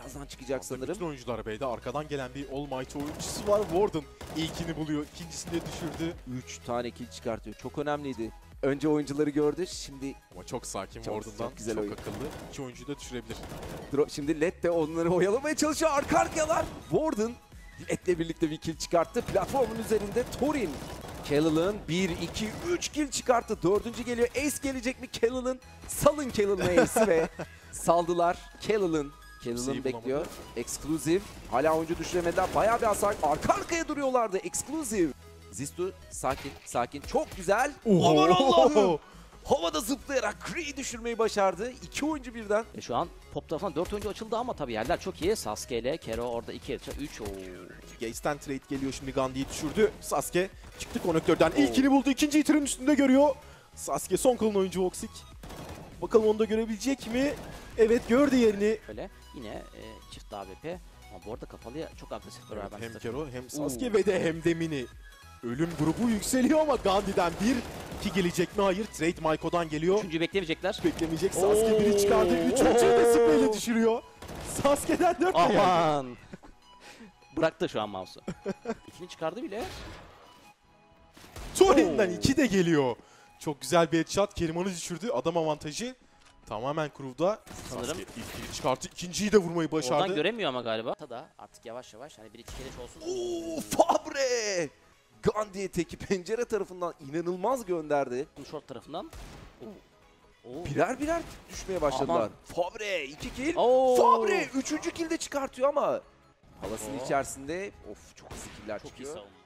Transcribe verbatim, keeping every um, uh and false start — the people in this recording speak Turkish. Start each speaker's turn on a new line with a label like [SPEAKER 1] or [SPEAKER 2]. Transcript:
[SPEAKER 1] birazdan çıkacak sanırım.
[SPEAKER 2] Bütün oyuncular B'de. Arkadan gelen bir All Might oyuncusu var. Warden ilkini buluyor. İkincisini de düşürdü.
[SPEAKER 1] üç tane kill çıkartıyor. Çok önemliydi. Önce oyuncuları gördü. Şimdi
[SPEAKER 2] Ama çok sakin
[SPEAKER 1] Çok-
[SPEAKER 2] Warden'dan.
[SPEAKER 1] çok güzel
[SPEAKER 2] çok
[SPEAKER 1] oyun.
[SPEAKER 2] akıllı. İki oyuncuyu da düşürebilir.
[SPEAKER 1] Dro- şimdi Led de onları oyalamaya çalışıyor. Arka arkalar. Warden Led'le birlikte bir kill çıkarttı. Platformun üzerinde Thorin. Kellal'ın bir, iki, üç kill çıkarttı. Dördüncü geliyor. Ace gelecek mi? Kellal'ın. Salın Kellal'ın Ace'i ve saldılar. Kellal'ın. Kellal'ın
[SPEAKER 2] Kimseyi
[SPEAKER 1] bekliyor.
[SPEAKER 2] bulamadı.
[SPEAKER 1] Exclusive. Hala oyuncu düşüremediler. Bayağı bir hasar. Arka arkaya duruyorlardı. Exclusive. Zistu sakin sakin. Çok güzel.
[SPEAKER 2] Oho.
[SPEAKER 1] Aman Allah'ım. Havada zıplayarak Kree'yi düşürmeyi başardı. İki oyuncu birden.
[SPEAKER 3] E şu an top tarafından dört oyuncu açıldı ama tabii yerler çok iyi. Sasuke ile Kero orada iki, üç.
[SPEAKER 2] Gaze'den trade geliyor şimdi, Gandhi'yi düşürdü. Sasuke çıktı konektörden. İlkini buldu. İkinciyi tırın üstünde görüyor. Sasuke son kalan oyuncu Voxic. Bakalım onu da görebilecek mi? Evet, gördü yerini.
[SPEAKER 3] Böyle yine e, çift A W P. Ama bu arada kapalıya çok agresif
[SPEAKER 2] Evet,
[SPEAKER 3] beraber.
[SPEAKER 2] hem
[SPEAKER 3] takım.
[SPEAKER 2] Kero hem Sasuke ve de hem de Mini. Ölüm grubu yükseliyor ama Gandhi'den bir, iki gelecek mi? Hayır. Trade Maiko'dan geliyor.
[SPEAKER 3] Üçüncüyü beklemeyecekler.
[SPEAKER 2] Beklemeyecek. Sasuke biri çıkardı. Üçüncüyü de spreyle düşürüyor. Sasuke'den dört de geldi.
[SPEAKER 3] Aman. Bıraktı şu an mouse'u. İkini çıkardı bile.
[SPEAKER 2] Thorin'den
[SPEAKER 3] Oo.
[SPEAKER 2] iki de geliyor. Çok güzel bir headshot. Keriman'ı düşürdü. Adam avantajı tamamen Crew'da.
[SPEAKER 3] Sanırım.
[SPEAKER 2] Sasuke ilkini çıkarttı. İkinciyi de vurmayı başardı.
[SPEAKER 3] Oradan göremiyor ama galiba. Da artık yavaş yavaş hani bir iki keleş olsun.
[SPEAKER 1] Oo, Fabre! Gandhi teki pencere tarafından inanılmaz gönderdi.
[SPEAKER 3] Short tarafından. Oo.
[SPEAKER 1] Birer birer düşmeye başladılar.
[SPEAKER 3] Aman.
[SPEAKER 1] Fabre iki kill.
[SPEAKER 3] Oo.
[SPEAKER 1] Fabre üçüncü kill de çıkartıyor ama palasın
[SPEAKER 3] Oo.
[SPEAKER 1] içerisinde of çok hızlı killer
[SPEAKER 3] Çok iyi
[SPEAKER 1] çıkıyor.
[SPEAKER 3] savunma.